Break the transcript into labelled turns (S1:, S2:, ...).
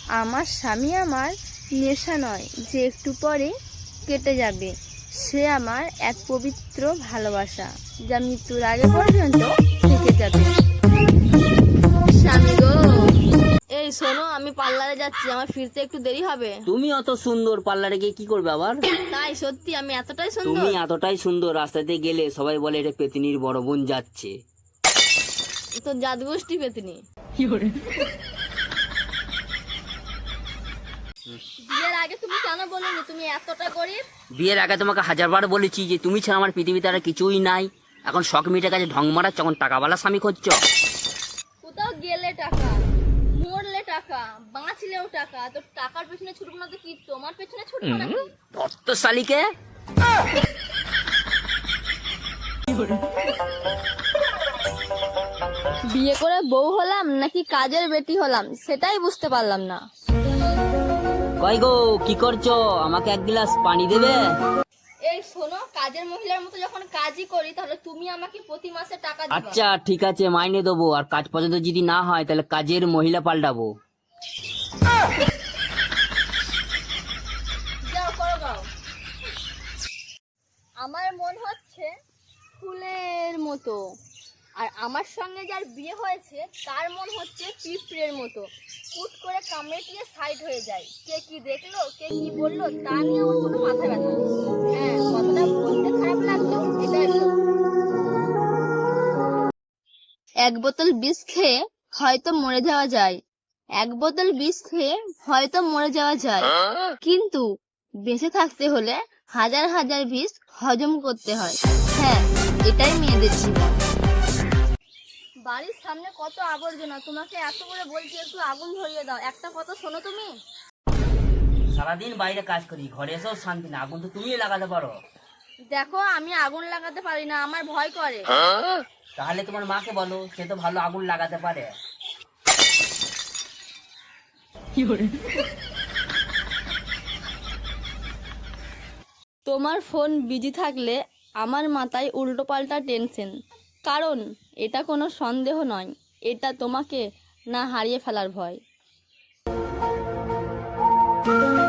S1: আমার স্বামী আমার নেশা নয় যে একটু পরে কেটে যাবে, সে আমার এক পবিত্র ভালোবাসা যা মৃত্যুর আগে পর্যন্ত থেকে যাবে। স্বামী গো,
S2: এই শোনো, আমি পার্লারে যাচ্ছি, আমার ফিরতে একটু দেরি হবে।
S3: তুমি অত সুন্দর, পার্লারে গিয়ে কি করবে আবার?
S2: তাই সত্যি আমি এতটাই সুন্দর?
S3: তুমি এতটাই সুন্দর, রাস্তাতে গেলে সবাই বলে এটা পেতিনির বড় বোন যাচ্ছে।
S2: তো জাদুগোষ্ঠী পেতনি। বিয়ের আগে তুমি কেন বলনি তুমি এতটা গরিব?
S3: বিয়ের আগে তোমাকে হাজারবার বলেছি যে তুমি ছাড়া আমার পৃথিবীতে আর কিছুই নাই। এখন শখ মিটে কাছে ঢং মারাচ্ছ, এখন টাকাওয়ালা স্বামী খুঁজছ।
S2: কোথাও গেলে টাকা, মরলে টাকা, বাঁচলেও টাকা। তো টাকার পেছনে ছুটবো না তো কি তোমার পেছনে ছুটবো নাকি?
S3: তত্ত্ব শালিকে।
S2: বিয়ে করে বউ হলাম নাকি কাজের বেটি হলাম সেটাই বুঝতে পারলাম না।
S3: কই গো, কি করছো? আমাকে এক গ্লাস পানি দেবে?
S2: এই শোনো, কাজের মহিলার মতো যখন কাজই করি তাহলে তুমি আমাকে প্রতি মাসে টাকা দিবা।
S3: আচ্ছা ঠিক আছে, মাইনে দেবো। আর কাজ পর্যন্ত যদি না হয় তাহলে কাজের মহিলা পাল্টাবো।
S2: যাও করো গাও। আমার মন হচ্ছে ফুলের মতো, আর আমার সঙ্গে যার বিয়ে হয়েছে তার মন হচ্ছে পিঁপড়ের মতো, হুট করে কামড়ে দিয়ে সাইড হয়ে যায়। কে কি দেখলো, কে কি বললো তা নিয়ে আমার কোনো মাথা ব্যথা নেই। হ্যাঁ, কথাটা বলতে খারাপ লাগলো, এটাই সত্যি। এক বোতল বিষ খেয়ে হয়তো মরে যাওয়া যায়, এক বোতল বিষ খেয়ে হয়তো মরে যাওয়া যায়, কিন্তু বেঁচে থাকতে হলে হাজার হাজার বিষ হজম করতে হয়। হ্যাঁ, এটাই মেয়েদের জীবন। বাড়ির সামনে কত আবর্জনা, তোমাকে এত করে বলছি একটু আগুন ধরিয়ে দাও, একটা কথা শোনো তুমি।
S3: সারাদিন বাইরে কাজ করি, ঘরে এসেও শান্তি না। আগুন তো তুমিই লাগাতে পারো।
S2: দেখো, আমি আগুন লাগাতে পারি না, আমার ভয় করে।
S3: তাহলে তোমার মাকে বলো, সে তো ভালো আগুন লাগাতে পারে।
S2: তোমার ফোন বিজি থাকলে আমার মাথায় উল্টো পাল্টা টেনশন, কারণ এটা কোনো সন্দেহ নয়, এটা তোমাকে না হারিয়ে ফেলার ভয়।